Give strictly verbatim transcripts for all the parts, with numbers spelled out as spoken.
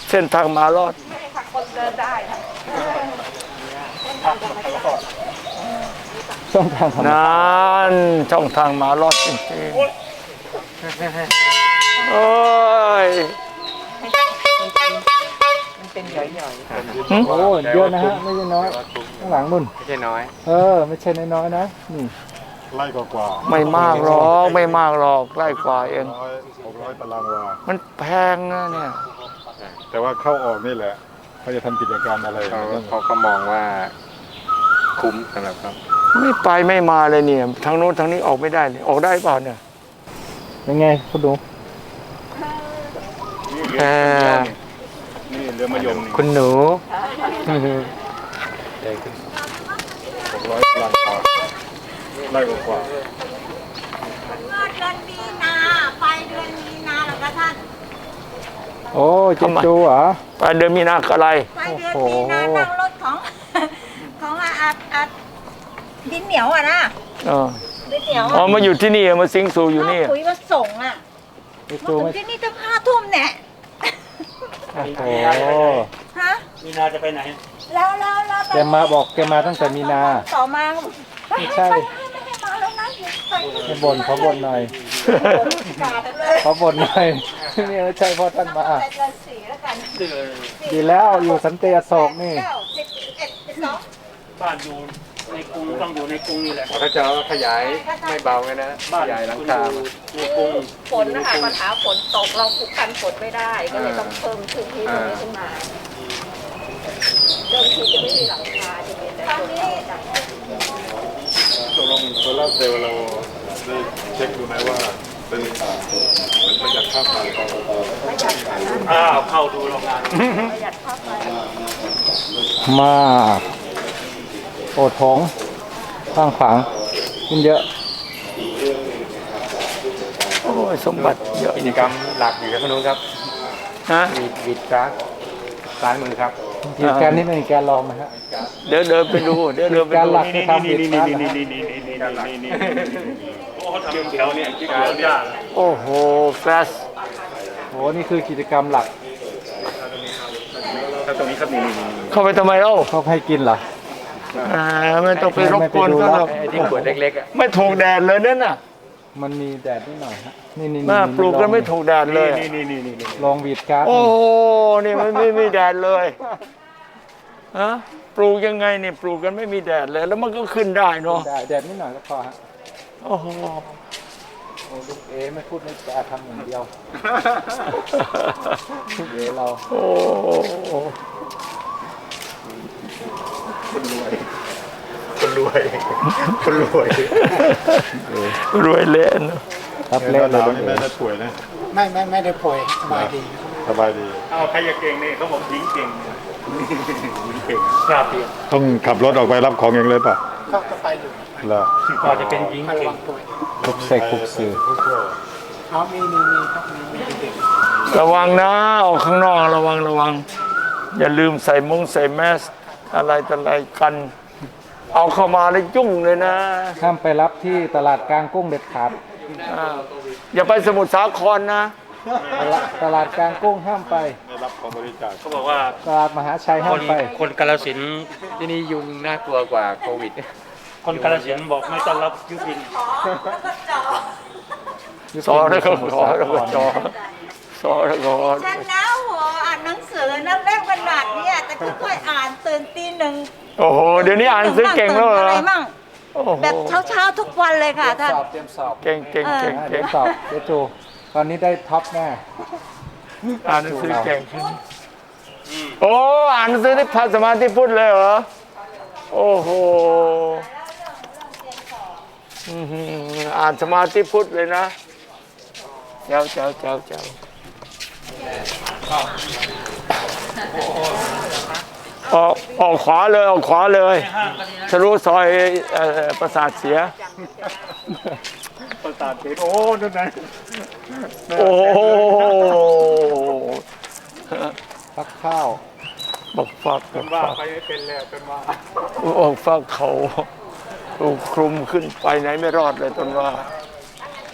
เส้นทางมารอดไม่ได้ค่ะคนเดินได้ค่ะช่องทางธรรมชาตินั่นช่องทางมารอดจริงๆโอ้ยมันเป็นหย่อยหึโอ้เยอะนะฮะไม่ใช่น้อยข้างหลังนุ่นไม่ใช่น้อยเออไม่ใช่น้อยๆนะนี่ไล่กว่าไม่มากหรอกไม่มากหรอกใกล้กว่าเองร้อยหกร้อยตารางวามันแพงนะเนี่ยแต่ว่าเข้าออกนี่แหละเขาจะทำกิจการอะไรเขาเขาก็มองว่าคุ้มสำหรับเขาไม่ไปไม่มาเลยเนี่ยทางโน้นทางนี้ออกไม่ได้เลยออกได้เปล่าเนี่ยเป็นไงคุณดูเออนี่เรือมะยมนี่คุณหนูหกร้อยตารางวาไล่กว่าเมื่อเดือนมีนาไปเดือนมีนาแล้วก็ท่านโอ้เจนจูเหรอไปเดือนมีนาอะไรไปเดือนมีนานั่งรถของ ของอาอาอาดินเหนียวอ่ะนะเออดินเหนียวอ๋อมาอยู่ที่นี่มาสิงสู่อยู่นี่คุยมาส่งอ่ะเจนมาจูถึงไม่ที่นี่ตั้งห้าทุ่มเนี่ยโอ้โหฮะมีนาจะไปไหนแล้วแล้วแล้วแกมาบอกแกมาตั้งแต่มีนาต่อมาไม่ใช่ไม่ให้มาแล้วนะไปให้บ่นเขาบ่นหน่อยกาดเลยเขาบ่นหน่อยนี่ไม่ใช่เพราะท่านมาแต่เดือนสี่แล้วกันเดือดีแล้วอยู่สันติอโศกนี่เก้าสิบเอ็ดสิบสองบ้านอยู่ในกรุงต้องอยู่ในกรุงนี่แหละเขาจะขยายไม่เบาเลยนะขบ้านยายหลังคุณคาอยู่ในกรุงฝนนะคะปัญหาฝนตกเราคุกกันฝนไม่ได้ ก็เลยต้องเพิ่มพื้นที่ตรงนี้ขึ้นมาเดิมทีจะไม่มีหลังคาจะมีแต่ตรงนี้ตกลงโซลาร์เซลล์เราได้เช็คดูไหมว่าเป็นมันประหยัดค่าไฟประหยัดกว่านั้นอ้าวเข้าดูโรงงานประหยัดค่าไฟมากโอดท้องข้างขวางขึ้นเยอะโอ้ยสมบัติเยอะกิจกรรมหลักอยู่ที่นู้นครับฮะวีดวีดกราฟซ้ายมือครับกิจการนี้เป็นการลองไหมฮะเดี๋ยวเดินไปดูเดี๋ยวเดินไปการดูหลักคือทำกิจการนะฮะโอ้เขาทำแถวเนี่ยที่เกิดยากโอ้โหแฟลชโอ้นี่คือกิจกรรมหลักถ้าตรงนี้ครับนี่นี่นี่เข้าไปทำไมเล่าเขาให้กินเหรออ่าไม่ต้องไปรบกวนเขาหรอกไอ้ที่ขวดเล็กๆอ่ะไม่ถูกแดดเลยนั่นน่ะมันมีแดดนิดหน่อยฮะนี่นี่มาปลูกกันไม่ถูกแดดเลยนี่นี่นี่นี่นี่ลองวีดการ์ดโอ้โหนี่มันไม่มีแดดเลยฮะปลูกยังไงนี่ปลูกกันไม่มีแดดเลย แล้วมันก็ขึ้นได้เนาะแดดแดดนิดหน่อยก็พอฮะโอ้โหโอ้ลูกเอไม่พูดไม่จาทำอย่างเดียวลูกเอเราโอ้โหคนรวยคนรวยคนรวยรวยเละเนอะครับเล่เล่นนเลหนาวย นี่ไม่ได้ป่วยนะไม่ไม่ไม่ได้ป่วยสบายดีสบายดีเอาใครจะเก่งนี่เขาบอกยิงเก่งเก่งครับต้องขับรถออกไปรับของเองเลยป่ะก็ก็ไปอยู่เหรอพอจะเป็นยิงไม่ระเก่วังงป่วยทุกเสกทุกสื่อเอามีมีมีครับมีมีเด็กระวังนะออกข้างนอกระวังระวัง อย่าลืมใส่มุ้งใส่แมสอะไรต่ออะไรกัน เอาเข้ามาแล้วยุ่งเลยนะห้ามไปรับที่ตลาดกลางกุ้งเด็ดขาดอ่าอย่าไปสมุทรสาครนะตลาดตลาดกลางกุ้งห้ามไปได้รับของบริจาคเขาบอกว่าตลาดมหาชัยคห้ามนไปคนกาลสินธุ์ที่นี่ยุงน่ากลัวกว่าโควิดคนกาลสินธุ์บอกไม่ต้อนรับยุพินสอแล้วก็ขอแล้วก็จอสอแล้วก็ฉันนะหัวอ่านหนังสือนักเล่มขนาดเนี้ยแต่ค่อยๆอ่านตื่นตีหนึ่งโอ้โหเดี๋ยวนี้อ่านหนังสือเก่งแล้วเหรอะอไรมั่งโอ้โหแบบเช้าๆทุกวันเลยค่ะท่านสอบเตรียมสอบเก่งเก่งเก่งอ่าเก่เดี๋ยงวสอบเดี๋ยวจูตอนนี้ได้ท็อปแน่อ่านหนังสือเก่งขึ้นโอ้อ่านหนังสือที่พระสมาธิพุทธเลยเหรอโอ้โหอื้อหืออ่านสมาธิพุทธเลยนะเจ้าเจ้าเจ้าเจ้าออกออกขวาเลยออกขวาเลยทะลุซอยเอ่อประสาทเสียประสาทเพชรโอ้นั่นไงโอ้โหฟักข้าวบักฟักบักว่าฟักไปไม่เป็นแล้วเป็นว่าบักฟักเขาถูกคลุมขึ้นไปไหนไม่รอดเลยต้นว่า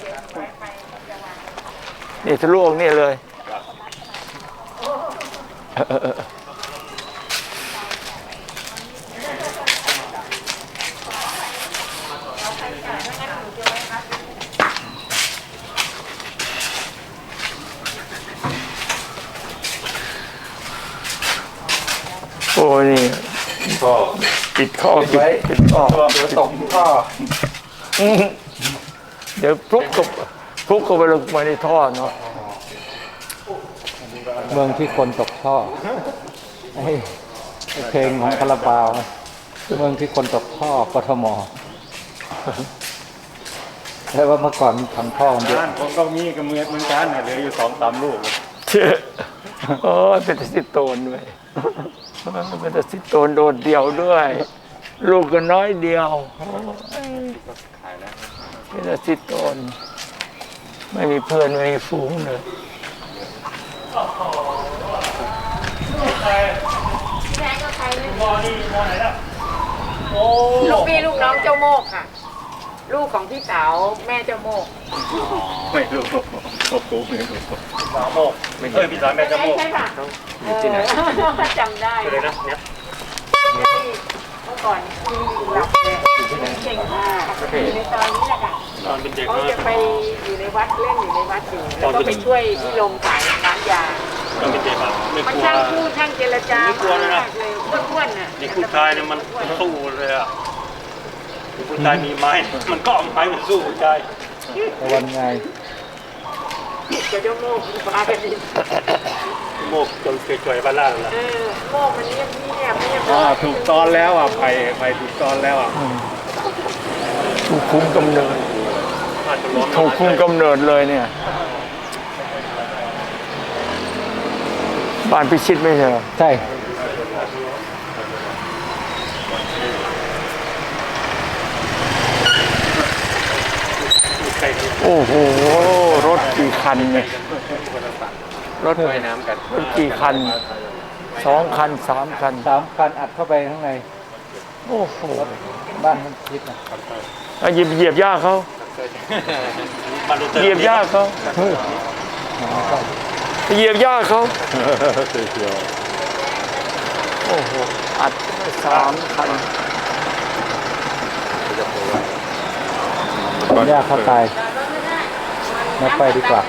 นี่ทะลุออกนี่เลยโอ้นี่ปิดข้อปิดปิดข้อเดี๋ยวตกท่ออืมเดี๋ยวพลุกกับพลุกเข้าไปลงไปในท่อเนาะเมืองที่คนตกท่อไอ้ไอ้เพลงของคาราบาวเมืองที่คนตกท่อกทมแต่ว่าเมื่อก่อนทำท่อมันเยอะบ้านผมก็มีกระเมือดเหมือนกันเนี่ยเหลืออยู่สองสามลูกเชื่อโอ้ยเป็นสิโตนด้วยเป็นสิโตนโดดเดี่ยวด้วย ลูกก็น้อยเดียวเป็นสิโตนไม่มีเพื่อนไม่มีฝูงเลยแม่ก็ใครไม่ลูกพี่ลูกน้องเจ้าโมกค่ะ ลูกของพี่สาวแม่เจ้าโมกไม่รู้โอ้โหไม่รู้สามโมกเอ้ยพี่สาวแม่จะโมกใช่ป่ะที่ไหนจำได้เลยนะเนี่ยเมื่อก่อนมีอยู่หลักเลยเก่งมากอยู่ในตอนนี้แหละค่ะตอนเป็นเด็กเขาจะไปอยู่ในวัดเล่นอยู่ในวัดอยู่แล้วก็ไปช่วยพี่ลงขายร้านยาตอนเป็นเด็กอะไม่มันกลัวช่างพูดช่างเจรจามากเลยอ้วนๆน่ะเด็กผู้ชายเนี่ยมันสู้เลยอะเด็กผู้ชายมีไม้มันก็เอาไม้ไปสู้ผู้ชายตะวันไงเจ้าเจ้าโมกมากันดิโมกจนเฉยๆบ้านล่างแล้วเออโมกมันเงียบเงียบเงียบอ่าถูกตอนแล้วอ่ะไปไปถูกตอนแล้วอ่ะถูกคุมกำเนิดอาจจะล้มถูกคุมกำเนิดเลยเนี่ยบ้านพิชิตไม่ใช่เหรอใช่ใกล้กันโอ้โหรถกี่คันเนี่ยรถว่ายน้ำกันรถกี่คันสองคันสามคันสามคันอัดเข้าไปข้างในโอ้โหบ้านมันคิดนะเอาเหยียบเหยียบย่าเขามาดูเตอร์เหยียบย่าเขาเหยียบย่าเขาโอ้โหอัดสามคันผมยากเข้าตายมาไปดีกว่า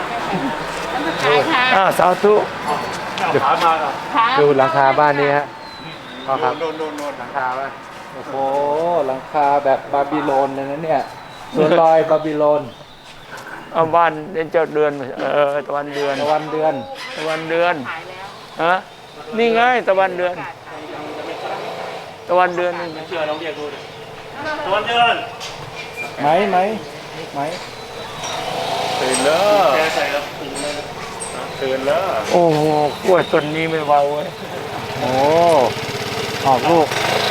อ่าสาธุขามาอ่ะดูหลังคาบ้านนี้ฮะพ่อครับโดนโดนโดนหลังคาป่ะโอ้โหหลังคาแบบบาบิโลนเลยนะเนี่ยสวนลอยบาบิโลนเอาบ้านเดือนเจ้าเดือนเออตะวันเดือนตะวันเดือนตะวันเดือนฮะนี่ไงตะวันเดือน ตะวันเดือนนี่ไงเชื่อน้องเรียกดูดิตะวันเดือนไหมไหมไหมตื่นแล้วแกใส่แล้วถึงเลยตื่นแล้วโอ้โหกล้วยต้นนี้ไม่เบาเว้ยโอ้ออกลูก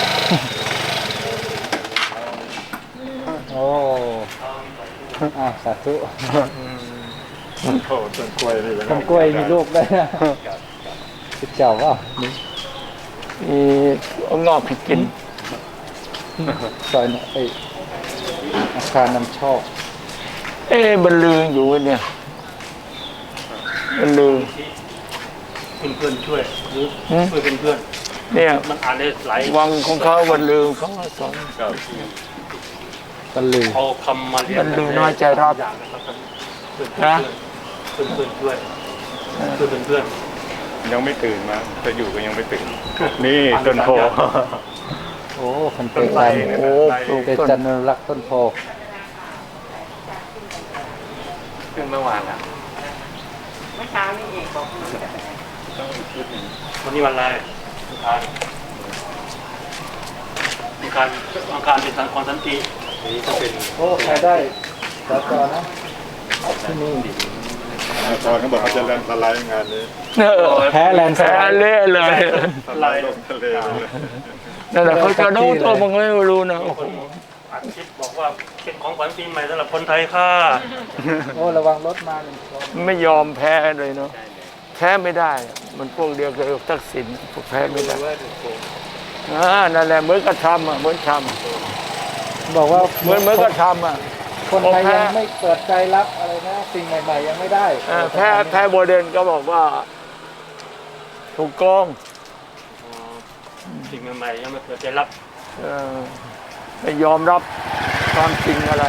โอ้อ่ะสาธุโอ้ต้นกล้วยนี่ต้นกล้วยมีลูกได้วยนะคือเจ้าว่านี่มีเอางอกให้กินซอยเนี่ยไออาคารนำโชคเอ๊ะบรรลืออยู่เนี่ยบรรลือเป็นเพื่อนช่วยหรือหืมช่วยเป็นเพื่อนเนี่ยมันอ่านได้หลายวังของเขาบรรลือเขาสอนตะลือเอาคำมาเรียนบรรลือน้อยใจรับอย่างนะครับเพื่อนนะเพื่อนเพื่อนช่วยเพื่อนเป็นเพื่อนยังไม่ตื่นมาจะอยู่ก็ยังไม่ตื่น นี่ต้นโพโอ้คนเตจันโอ้ปลูกเตต้นจันอนุรักษ์ต้นโพเพิ่งเมื่อวานอ่ะเมื่อเช้านี่เองบอกวันนี้วันอะไรอังคารอังคารอังคารเป็นสังคมสันตินี่ก็เป็นโอ้ใครได้สาจอนะที่นี่ตอนเขาบอกเขาจะแลนสไลด์งานนี้เออแพ้แลนด์สแพ้ไลด์เละเลยอะไรลงทะเลเลยนั่นแหละเขาจะโน้ตตัวมึงไม่รู้นะโอ้โหอัดคลิปบอกว่าเป็นของขวัญปีใหม่สำหรับคนไทยค่ะโอ้ระวังรถมาหนึ่งคนไม่ยอมแพ้เลยเนาะแพ้ไม่ได้ มันพวกเดียวกับทักษิณพวกแพ้ไม่ได้อ่านั่นแหละเหมือนกระทำอ่ะเหมือนทบอกว่าำเหมือนเหมือนกระทำอ่ะคนไทยแพ้ยังไม่เปิดใจรับอะไรนะ สิ่งใหม่ๆยังไม่ได้เออแพ้แพ้โบเดนก็บอกว่าถูกโกงสิ่งใหม่ๆยังไม่เคยได้รับเออไม่ยอมรับความจริงอะไร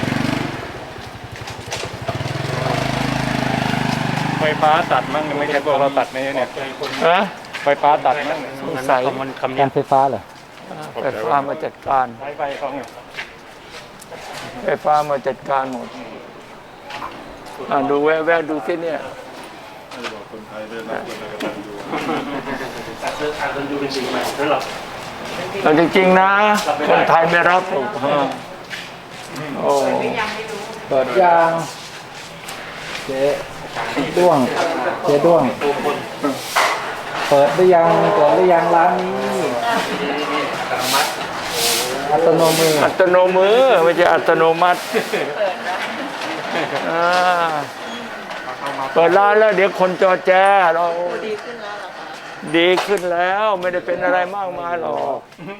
ไฟฟ้าตัดมั่งไม่ใช่พวกเราตัดไหมเนี่ยฮะไฟฟ้าตัดมั่งสงสัยมันคำกานี้รไฟฟ้าเหรอไฟฟ้ามาจัดการใช้ไฟเขาไงไฟฟ้ามาจัดการหมดอ่ะดูแวะๆดูที่เนี่ยให้บอกคนไทยได้รับคนกตัญญูการเลือกการเลือกดูเป็นสิ่งใหม่สำหรับแต่จริงๆนะ คนไทยไม่รับหรอกฮะโอ้เปิดยางเจ๊ด้วงเจ๊ด้วง เปิดหรือยังเปิดหรือยังร้านนี้อัตโนมืออัตโนมือไม่ใช่อัตโนมัติอ่าเปิดร้านแล้วเดี๋ยวคนจอแจเราดีขึ้นแล้วหรอคะดีขึ้นแล้วไม่ได้เป็นอะไรมากมายหรอก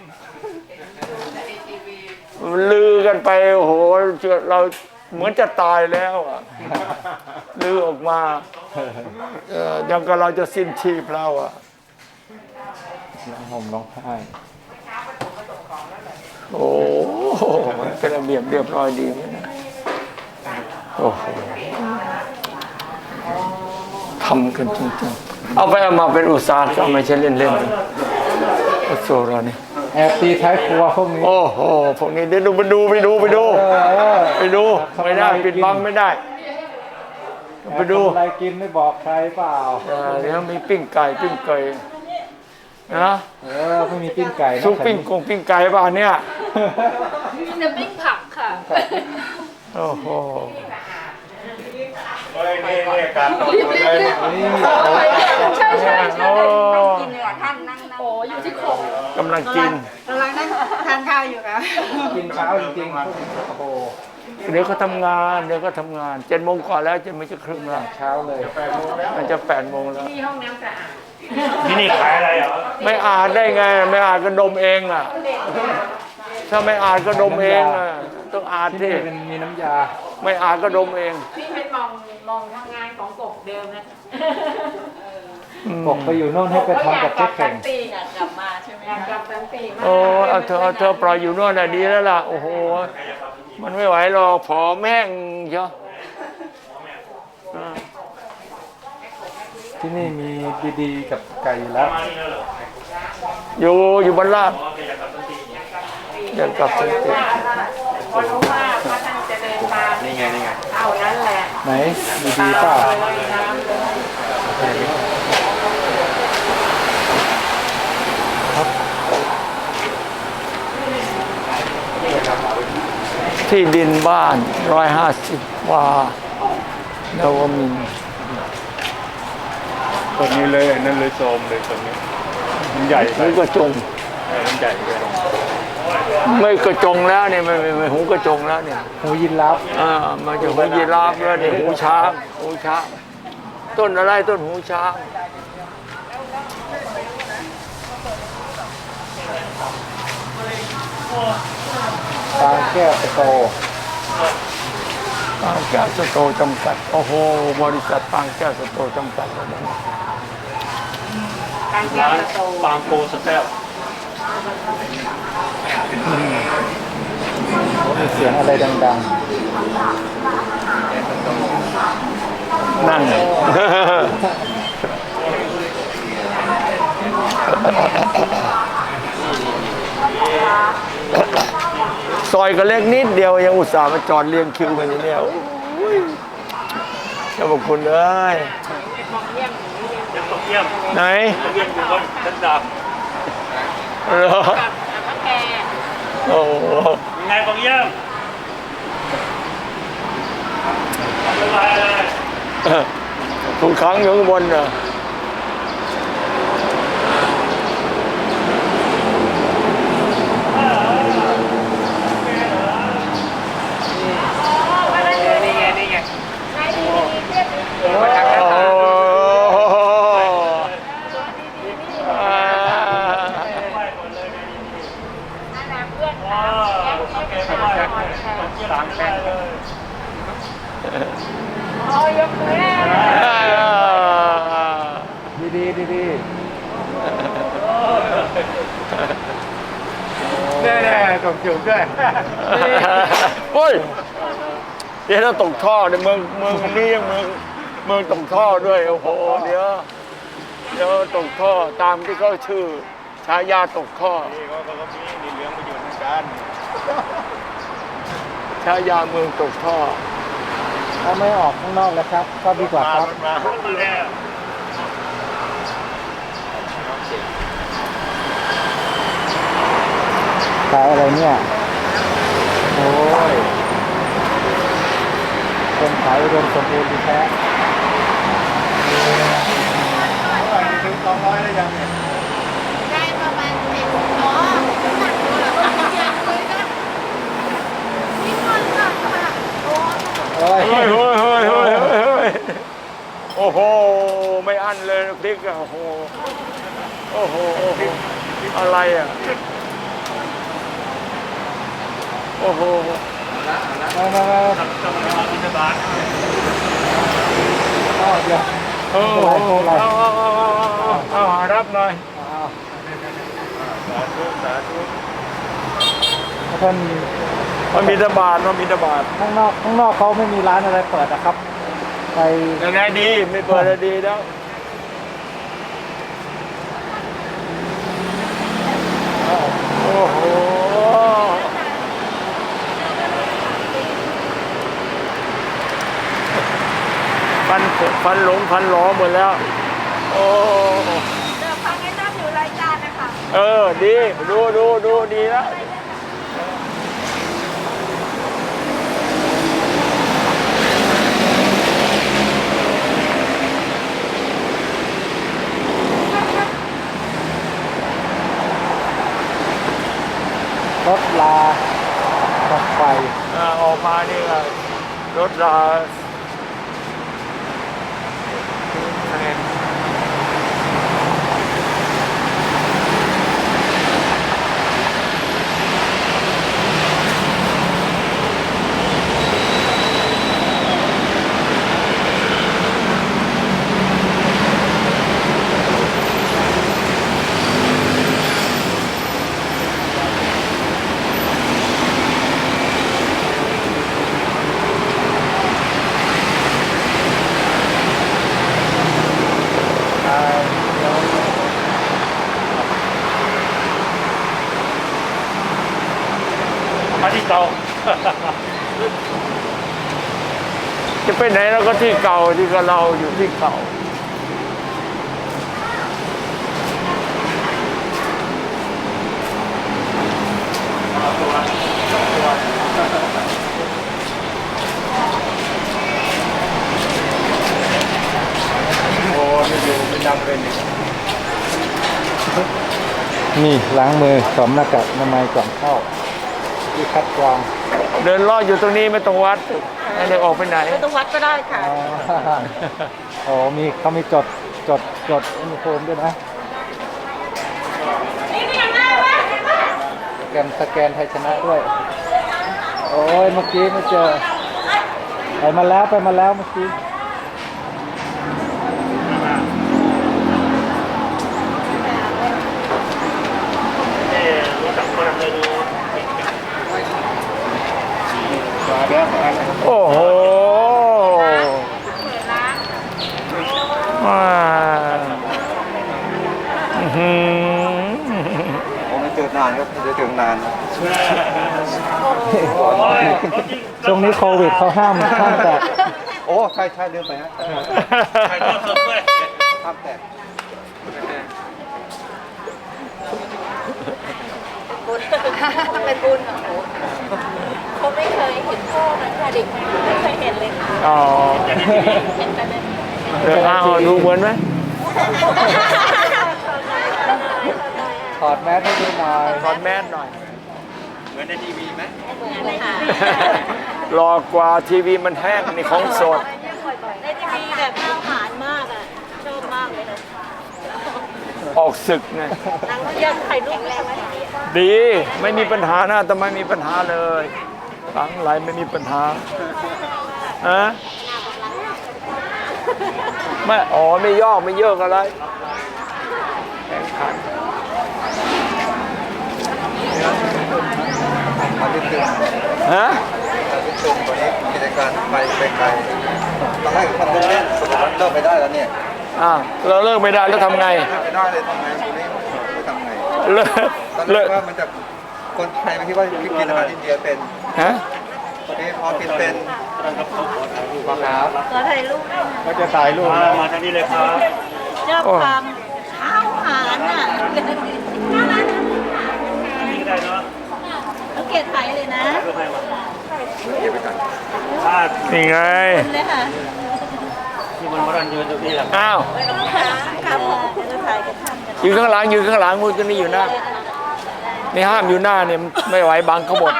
ลือกันไปโอ้โหเราเหมือนจะตายแล้วอ่ะลือออกมาเออยังก็เราจะสิ้นชีพแล้วอ่ะน้องห่มน้องผ้าโอ้โหมันเป็นระเบียบเรียบร้อยดีไหมนะโอ้โหทำกันจริงๆเอาไปเอามาเป็นอุตสาหกรรมไม่ใช่เล่นๆโอ้โหเรานี่แอบตีท้ายครัวพวกนี้โอ้โหพวกนี้เดี๋ยวดูไปดูไปดูไปดูเออไปดูไม่ได้ปิดบังไม่ได้ไปดูแอบทำอะไรกินไม่บอกใครเปล่าเออเดี๋ยวมีปิ้งไก่ปิ้งไก่นะเออไม่มีปิ้งไก่นะซุปปิ้งกงปิ้งไก่ป่ะเนี่ยมีแต่ปิ้งผักค่ะโอ้โหเฮ้ยนี่นี่การนี่ใช่ใช่ใช่โอ้กินเลยท่านนั่งโอ้อยู่ที่โคงกำลังกินกำลังนั่งทานข้าวอยู่ค่ะกินเช้าจริงๆพวกนี้โอ้โหเดี๋ยวก็ทำงานเดี๋ยวก็ทำงานเจ็ดโมงก่อนแล้วจะไม่จะครึ่งแล้วเช้าเลยมันจะแปดโมงแล้วมีห้องน้ำสะอาดที่นี่ขายอะไรเหรอไม่อ่านได้ไง ไม่อ่านก็ดมเองอ่ะ ถ้าไม่อ่านก็ดมเองอ่ะต้องอ่านที่ที่นี่เป็นมีน้ำยาไม่อ่านก็ดมเองพี่ให้มองมองทางงานของกบเดิมนะกบไปอยู่โน่นให้ไปทำกับเจ๊เข่งปีอยากกลับมาใช่ไหมอยากกลับทั้งปีมากโอ้เอาเธอเอาเธอปล่อยอยู่โน่นน่ะดีแล้วล่ะโอ้โหมันไม่ไหวหรอกผอแม่งเชียวอ่าที่นี่มีดีๆกับไก่อยู่แล้วอยู่อยู่บนลาดอยากกลับสันติพอรู้ว่าพระท่านจะเดินมานี่ไงนี่ไงเอานั้นแหละไหนมีดีเปล่าเลยน้ำเลยที่ดินบ้านร้อยห้าสิบวานวมินทร์ต้นนี้เลยนั่นเลยโซมเลยต้นนี้มันใหญ่ไปหูกระจงเออมันใหญ่ไปไม่กระจงแล้วเนี่ยไม่ไม่ไม่หูกระจงแล้วเนี่ยหูยินลับอ่ามันจะหูยีราฟแล้วเนี่ยหูช้างหูช้างต้นอะไรต้นหูช้างปางแก้วสโตปางแก้วสโตจำกัดโอ้โหบริษัทปางแก้วสโตจำกัดแล้วนะการแก้ร้านประตูปางโกสเตลมีเสียงอะไรดังนั่น ซอยก็เล็กนิดเดียวยังอุตส่าห์มาจอดเรียงคิวกันอยู่เนี่ยโอ้ยเจ้าพระคุณเอ้ยยังตกเยี่ยมไหนตกเยี่ยมอยู่บนชั้นดาบเหรอกับพระแกโอ้โหยังไงตกเยี่ยมสบายเลยทุกครั้งอยู่ข้างบนน่ะนี่ไงนี่ไงนายดีดีเทียบดีโอ้โหอ่าอาณาเพื่อนอ๋อค่ะโอเคไม่ได้ตกเยี่ยมสามแสนเลยอ๋อยกมือแรกอ่าอยู่ด้วยโอ้ยเดี๋ยวเราตกท่อในเมืองเมืองนี้ยังเมืองเมืองตกท่อด้วยโอ้โหเดี๋ยวเดี๋ยวตกท่อตามที่เขาชื่อฉายาตกท่อนี่ก็ก็มีมีเหลืองมาอยู่เหมือนกันฉายาเมืองตกท่อถ้าไม่ออกข้างนอกแล้วครับ ก็ดีกว่าครับมันมามันแล้วขายอะไรเนี่ย โอ้ยคนขายอุดมสมบูรณ์ดีแท้ถึงสองร้อยแล้วยังเนี่ยได้ประมาณเจ็ดอ๋อหนักเลยอะอย่างเลยนะนี่คนหนักค่ะโอ้โอ้ยเฮ้ยเฮ้ยเฮ้ยเฮ้ยเฮ้ยเฮ้ยโอ้โหไม่อั้นเลยพริกอะโอ้โหโอ้โหโอ้โหอะไรอะโอ้โหมามามาทำต้องมาบินบาตอ้าวเดี๋ยวเออเอาเอาเอาเอาเอาเอาหารับหน่อยอ้าวสาธุสาธุท่านมันมีตบาทมันมีตบาทข้างนอกข้างนอกเขาไม่มีร้านอะไรเปิดนะครับ ไปยังไงดีไม่เปิดแล้วดีแล้วโอ้โหฟันฟันหลงฟันหลอหมดแล้วโอ้เดี๋ยวฟังไอ้ตั้มอยู่รายการนะคะเออดีดูดูดูดีแล้วรถลาตัดไฟอ่าออกมานี่ก็รถรามาที่เตาจะไปไหนเราก็ที่เก่าที่กับเราอยู่ที่เก่าโอ้ไม่อยู่ไม่จำเป็นอีกนี่ล้างมือสวมหน้ากากอนามัยก่อนเข้าที่คัดกรองเดินลอดอยู่ตรงนี้ไม่ต้องวัดไม่ได้ออกไปไหนไม่ต้องวัดก็ได้ค่ะอ๋อโอ้มีเขามีจดจดจดอุณหภูมิด้วยนะสแกนสแกนไทยชนะด้วย โอ้ยเมื่อกี้ไม่เจอไปมาแล้วไปมาแล้วเมื่อกี้นี่รู้จักคนเลยดูมาแล้วโอ้โหมาอื้อหือผมไม่เจอนานครับจะถึงนานช่วงนี้โควิดเขาห้ามห้ามแตะโอ้ใช่ใช่ลืมไปฮะใครก็สดด้วยห้ามแตะบุญเป็นบุญเหรอโหเขาไม่เคยเห็นพ่อมันค่ะเด็กไม่เคยเห็นเลยค่ะอ๋อเห็นแต่ในเออเอาดูเหมือนไหมถอดแมสให้ดูหน่อยถอดแมสหน่อยเหมือนในทีวีไหมเหมือนเลยค่ะรอกว่าทีวีมันแห้งนี่ของสดในทีวีแบบน่าหานมากอ่ะชอบมากเลยค่ะออกศึกไงนางอยากถ่ายรูปแรงไหมดีไม่มีปัญหานะแต่ไม่มีปัญหาเลยหลังไหลไม่มีปัญหาอะไม่อ๋อไม่ยอกไม่เยอะอะไรแข่งขันมาที่ตึงฮะมาที่ตึงตัวนี้กิจการไปไปไกลตอนแรกทำเล่นๆสุดท้ายเลิกไปได้แล้วเนี่ยอ้าวเราเลิกไม่ได้แล้วทำไงเลิกไปได้เลยทำไงตัวนี้ไม่ทำไงเลิกตอนแรเลิกกว่ามันจะคนไทยไม่คิดว่ากินอาหารอินเดียเป็นฮะตอนนี้พอกินเป็นครับขอถ่ายรูปด้วยนะก็จะถ่ายรูปมานะมาทางนี้เลยครับเจ้าความข้าวหารน่ะนี่ก็ได้เนาะแล้วเกียรติถ่ายเลยนะเพื่อให้มาเก็บไปกันถ้านี่ไงเลยค่ะที่มันมารันยืนอยู่นี่แหละอ้าวครับผมจะถ่ายกันทำกันยืนข้างหลังยืนข้างหลังมูจะนี่อยู่หน้านี่ห้ามอยู่หน้าเนี่ยไม่ไหวบังเขาหมด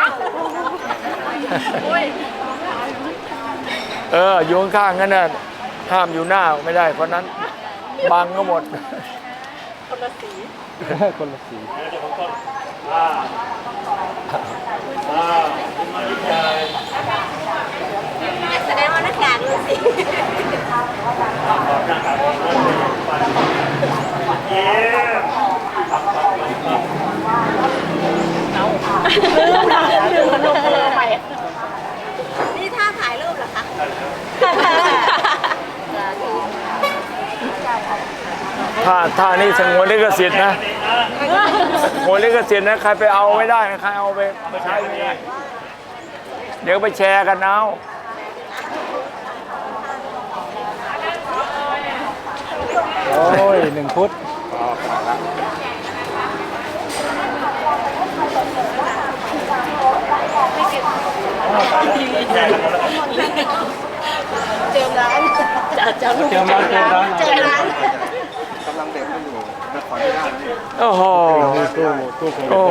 เอออยู่ข้างๆงั้นน่ะห้ามอยู่หน้าไม่ได้เพราะนั้นบังเขาหมดคนละสีอ่าอ่ามาที่ใจแสดงว่านักการดูสิเย้ลืมนะลืมขนมมือไปนี่ท่าถ่ายรูปเหรอคะถ้าถ้านี่สงวนลิขสิทธิ์นะสงวนลิขสิทธิ์นะใครไปเอาไม่ได้นะใครเอาไปใช้ไม่ได้เดี๋ยวไปแชร์กันเอาโอ้ยหนึ่งฟุตเจอร้านจะจะเจอร้านเจอร้านเจอร้านกำลังเด็กไม่อยู่แต่ขออนุญาตนี่โอ้โหตู้ตู้คงโอ้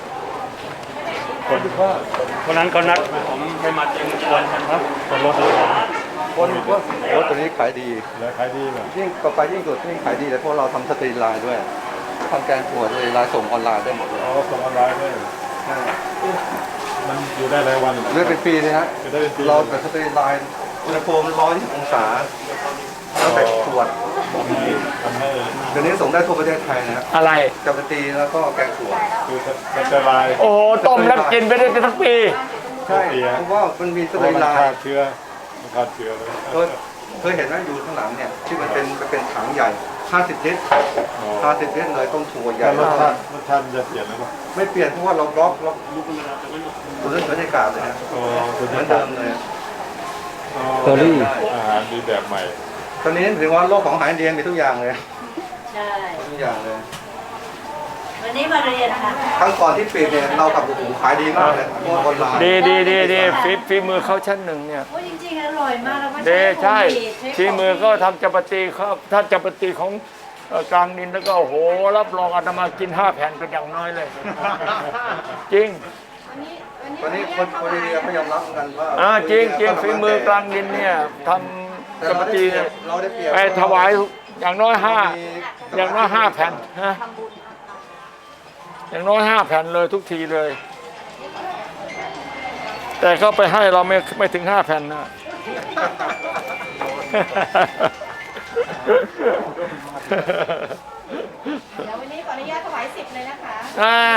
คนนั้นเขานัดผมไปมาเจอกันครับคนรถเลยคนว่ารถตัวนี้ขายดีแล้วขายดีเลยยิ่งต่อไปยิ่งสุดยิ่งขายดีแต่พวกเราทำสตรีไลน์ด้วยทำแกงถั่วสตรีไลน์ส่งออนไลน์ได้หมดเลยอ๋อส่งออนไลน์ด้วยใช่มันอยู่ได้หลายวันเลื่อนเป็นปีเลยฮะอยู่ได้เป็นปีเราแบบสตรีไลน์อุณหภูมิร้อยองศาแล้วแบบขวดทำให้เดี๋ยวนี้ส่งได้ทั่วประเทศไทยนะครับอะไรกับสตรีแล้วก็แกงถั่วคือมันจะลายโอ้โหต้มแล้วกินไปได้เป็นทั้งปีใช่เพราะว่ามันมีสเพราะตรีมันไลฆ่าน์เชื้อมันฆ่าเชื้อเลยเคยเคยเห็นไหมอยู่ข้างหลังเนี่ยที่มันเป็นมันเป็นถังใหญ่ห้าสิบลิตรห้าสิบลิตรเลยต้มถั่วใหญ่แล้วรสมาชาก ติรสชาติมันจะเปลี่ยนหรือเปล่าไม่เปลี่ยนเพราะว่าเราบล็อกล็อกตัวเรื่องบรรยากาศเลยนะอ๋อเหมือนเดิมเลยเตอรี่อาหารดีแบบใหม่ตอนนี้ถือว่าโลกของอาหารอินเดียมีทุกอย่างเลยใช่ทุกอย่างเลยวันนี้มาเรียนค่ะครั้งก่อนที่ปิดเนี่ยเรากับโอ้โหขายดีมากเลยพวกออนไลน์ดีดีดีดีฝีฝีมือเขาชั้นหนึ่งเนี่ยโอ้จริงๆอร่อยมากแล้วก็เดใช่ใช้ฝีมือก็ทำจัปาตีเขาถ้าจัปาตีของเอ่อกลางดินแล้วก็โอ้โหรับรองอาตมากินห้าแผ่นเป็นอย่างน้อยเลย จริงตอนนี้คนคนอินเดียเขายอมรับกันว่าอ่าจริงจริงฝีมือกลางดินเนี่ยทำจัปาตีเนี่ยเราได้เปรียบไปถวายอย่างน้อยห้าอย่างน้อยห้าแผ่นฮะอย่างน้อยห้าแผ่นเลยทุกทีเลย แต่เขาไปให้เราไม่ไม่ถึงห้าแผ่นนะเดี๋ยววันนี้ขออนุญาตถวายสิบเลยนะคะอ่า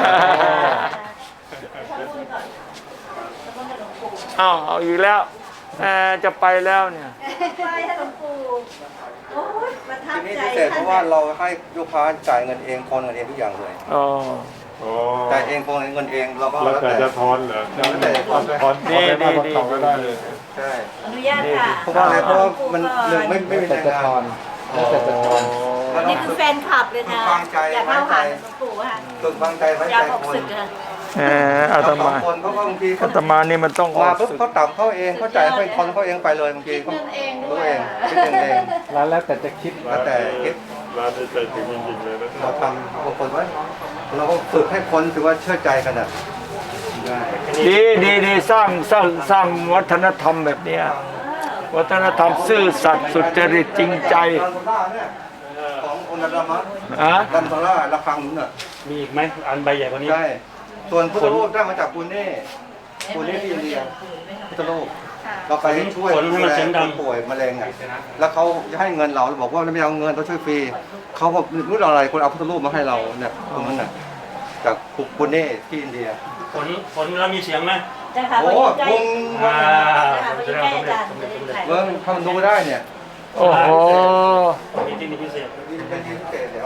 เอาเอาอีกแล้วแหมจะไปแล้วเนี่ยไหว้ให้หลวงปู่โอ้ยประทับทีนี้ใจพิเศษเพราะว่าเราให้ลูกค้าจ่ายเงินเองโอนเงินเองทุกอย่างเลยอ๋อโอ้จ่ายเองโอนเงินเองเราก็แล้วแล้วแต่แต่จะทอนเหรอแล้วแต่ทอนทอนดีทอนดีได้ทอนดีต่อก็ได้เลยใช่อนุญาตค่ะเพราะว่าอะไรเพราะว่ามันหนึ่งไม่ไม่มีแต่แรงจะงาทอนนแล้วแต่จะทอนแล้วนี่คือแฟนคลับเลยนะฟังใจอยากเข้าหาหลวงปู่ค่ะสุดวางใจไว้ยาใจออกคนศึกค่ะแหมอาตสองมาคนเพราะว่าบางทีอาตมานี่มันต้องออมาก ปุ๊บศึกเขาต่ำเขาเองเขาจ่ายเขาทอนเขาเองไปเลยบางทีเขารู้เองคิดเองเองแล้วแล้วแต่จะคิดแล้วแต่คิดร้านนี้ใจถึงจริงๆเลยนะเราทำบางคนไว้เราก็ฝึกให้คนถือว่าเชื่อใจกันอ่ะได้ดีดีดีสร้างสร้างสร้างวัฒนธรรมแบบเนี้ยวัฒนธรรมซื่อสัตย์สุจริตจริงใจดันโซล่าเนี่ยของโอนาดามะอะดันโซล่าระฆังนู้นน่ะมีอีกไหมอันใบใหญ่กว่านี้ใช่ส่วนพุทธรูปได้มาจากปูเน่ปูเน่ที่อินเดียพุทธรูปเราไปช่วยขนให้มันเสียงดังผู้ป่วยมะเร็งอ่ะแล้วเขาจะให้เงินเราเราบอกว่าไม่เอาเงินเราช่วยฟรีเขาบอกรู้อะไรคนเอาพุทธรูปมาให้เราเนี่ยตรงนั้นน่ะจากปุเน่ที่อินเดียผลผลแล้วมีเสียงไหมจะค่ะโอ้วันนี้ใกล้วงอ่าจะค่ะวันนี้ใกล้อาจารย์จะได้ถ่ายเมืองทำดูได้เนี่ยโอ้โหมีที่นี่พิเศษเป็นที่พิเศษแล้ว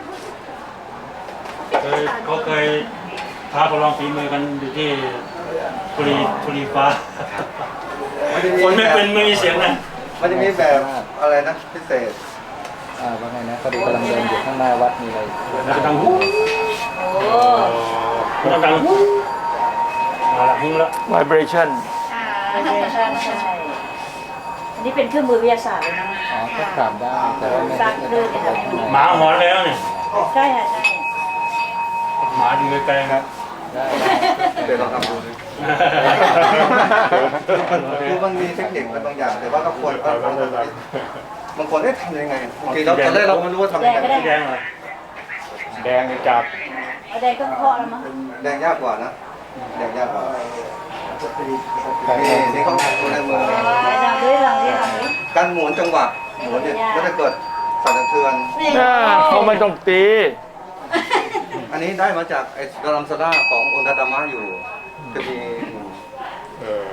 เคยเขาเคยท้าประลองฝีมือกันอยู่ที่บุรีบุรีฟ้ามันจะมีคนไม่แบบเป็นไม่มีเสียงนะมันจะมีแบบอะไรนะพิเศษอ่าว่าไงนะพอดีกำลังเดินอยู่ข้างหน้าวัดมีอะไรแล้วก็ดังหูโอ้ดังดังหูเอาละหูละ vibration อ่าใช่ใช่ใช่อันนี้เป็นเครื่องมือวิทยาศาสตร์เลยนะอ๋อก็ถามได้แต่ว่าไม่ซักได้เลือดเนี่ยค่ะหมาหอนแล้วเนี่ยใช่ค่ะใช่หมาอยู่ไกลๆครับได้เดี๋ยวเราทำดูดิคือมันมีเทคนิคอะไรบางอย่างแต่ว่าก็ควรบางคนบางคนได้ทำยังไงบางทีเราตอนแรกเราไม่รู้ว่าทำยังไงสีแดงเหรอแดงจับเอาแดงก็เคาะแล้วมั้งแดงยากกว่านะแดงยากกว่านี่นี่เขาทำตัวในมือไหนลองดิลองดิลองดิการหมุนจังหวะหมุนเนี่ยก็จะเกิดสั่นสะเทือนน่าเขาไม่ต้องตีอันนี้ได้มาจากไอ้ดารัมซาร่าขององค์ดาดามะอยู่จะมีเออ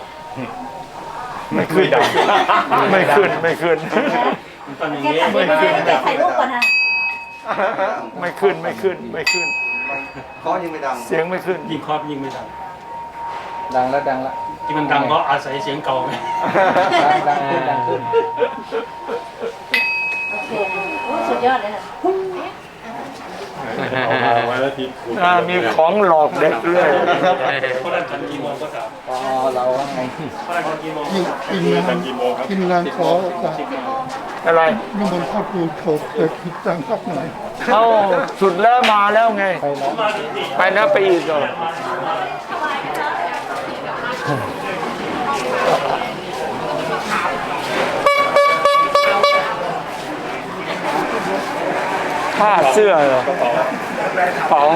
ไม่ขึ้นไม่ขึ้นไม่ขึ้นมันต้องอย่างแกนี้ถ่ายรูปก่อนแกถ่ายรูปก่อนนะไม่ขึ้นไม่ขึ้นไม่ขึ้นมันเคาะยังไม่ดังเสียงไม่ขึ้นยิงครอบยิงไม่ดังดังแล้วดังละที่มันดังเพราะอาศัยเสียงเก่าไงดังดังขึ้นดังขึ้นโอเคโอ้สุดยอดเลยค่ะเอามาไว้แล้วทีคุณอ่ามีของหลอกเด็กด้วยเขาดันกันกี่โมงก็ถามอ๋อเราว่าไงเขาดันกันกี่โมงทีมงานกี่โมงครับทีมงานขอจากอะไรนิมนต์เข้าครูโฉบเกิดผิดจังสักหน่อยเอ้าสุดแล้วมาแล้วไงไปแล้วมาถึงสี่ไปนะไปอีกเหรอผ้าเสื้อเหรอกระเป๋า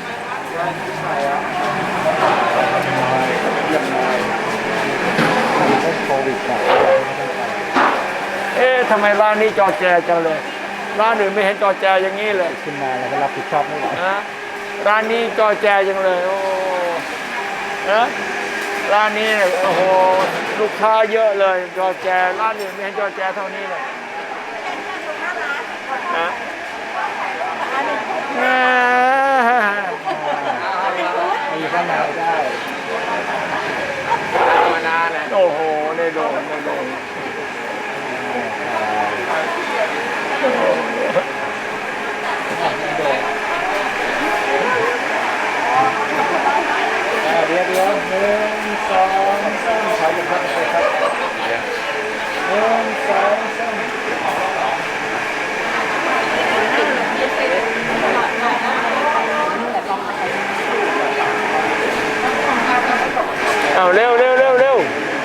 โควิดอ่ะเอ๊ะทำไมร้านนี้จอแจจังเลย ร้านอื่นไม่เห็นจอแจอย่างนี้เลยขึ้นมาแล้วก็รับผิดชอบไม่ไหวนะร้านนี้จอแจจังเลย โอ้นะร้านนี้เนี่ยโอ้โหลูกค้าเยอะเลยจอแจร้านอื่นไม่เห็นจอแจเท่านี้เลยนะแหมมีข้างในได้โอ้โหในโดนในโดนเดี๋ยวเดี๋ยวหนึ่งสองสามขอหยุดพักไปครับหนึ่งสองสามเอาเร็วเร็วเร็วเร็ว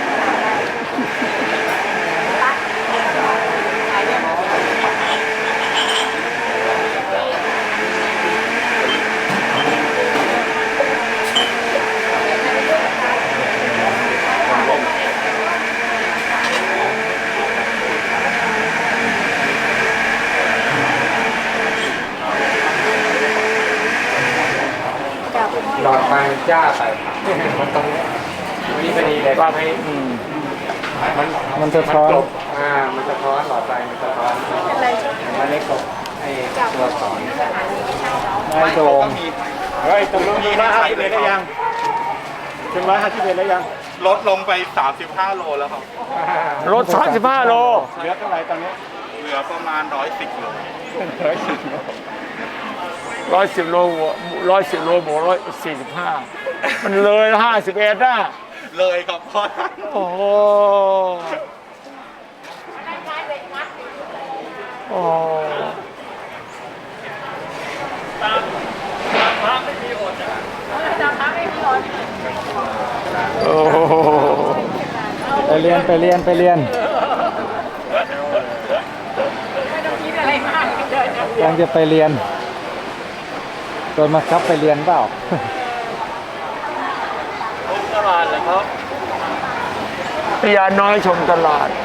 หลอดไฟจ้าใส่มันตรงนี้นี่พอดีเลยว่าให้อืมมันมันสะท้อนอ่ามันสะท้อนหลอดไฟมันสะท้อนมันเล็กกว่าไอ้ตัวสอนไม่โดมเฮ้ยตรงนี้ร้อยห้าสิบเอ็ดได้ยังถึงร้อยห้าสิบเอ็ดได้ยังลดลงไปสามสิบห้าโลแล้วครับรถสามสิบห้าโลเหลือเท่าไหร่ตอนนี้เหลือประมาณร้อยสิบโลร้อยสิบโลร้อยสิบโลร้อยสิบโลบวกร้อยสี่สิบห้ามันเลยห้าสิบเอ็ดนะเลยครับพ่อโอ้โหโอ้โอ้โหไปเรียนไปเรียนไปเรียนยังจะไปเรียนโดนมาครับไปเรียนเปล่าตลาดเหรอครับพญาน้อยชมตลาด